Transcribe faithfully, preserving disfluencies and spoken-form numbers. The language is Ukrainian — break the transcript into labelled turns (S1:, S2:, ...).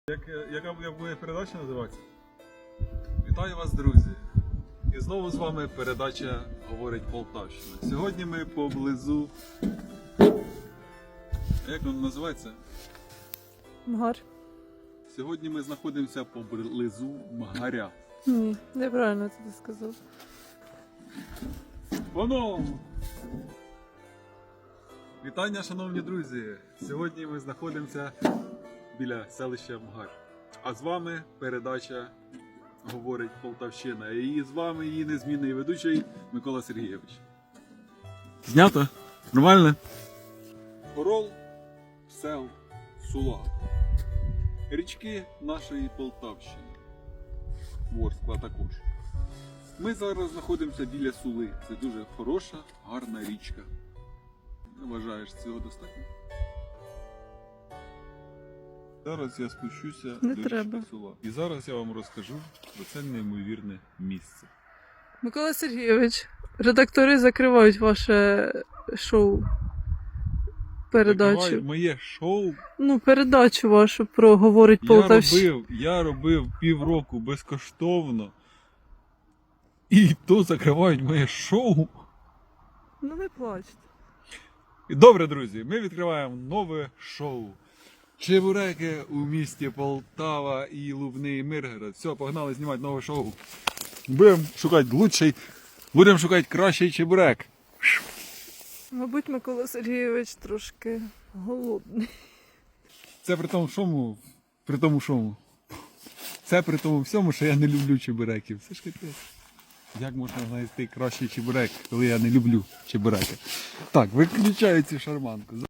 S1: Як, яка як буде передача називатися? Вітаю вас, друзі! І знову з вами передача «Говорить Полтавщина». Сьогодні ми поблизу... Як воно називається?
S2: Мгар.
S1: Сьогодні ми знаходимося поблизу Мгаря.
S2: Ні, неправильно це ти сказав.
S1: Воно! Вітання, шановні друзі! Сьогодні ми знаходимося біля селища Мгар. А з вами передача «Говорить Полтавщина». І з вами її незмінний ведучий Микола Сергійович. Знято? Нормально? Орол, сел, сула. Річки нашої Полтавщини. Ворскла також. Ми зараз знаходимося біля Сули. Це дуже хороша, гарна річка. Вважаєш, цього достатньо? Зараз я спущуся
S2: Не
S1: до
S2: треба.
S1: річки Сула. І зараз я вам розкажу про це неймовірне місце.
S2: Микола Сергійович, редактори закривають ваше шоу. Передачу.
S1: Закриваю моє шоу.
S2: Ну, передачу вашу про «Говорить
S1: Я
S2: Полтавщина».
S1: робив, я робив півроку безкоштовно. І то закривають моє шоу.
S2: Ну не плачте.
S1: І добре, друзі, ми відкриваємо нове шоу. Чебуреки у місті Полтава і Лубний Миргород. Все, погнали знімати нове шоу. Будемо шукати лучший, будемо шукати кращий чебурек.
S2: Мабуть, Микола Сергійович трошки голодний.
S1: Це при тому шому, при тому шому. Це при тому всьому, що я не люблю чебуреків. Це ж капець. Як можна знайти кращий чебурек, коли я не люблю чебуреки? Так, виключаю цю шарманку.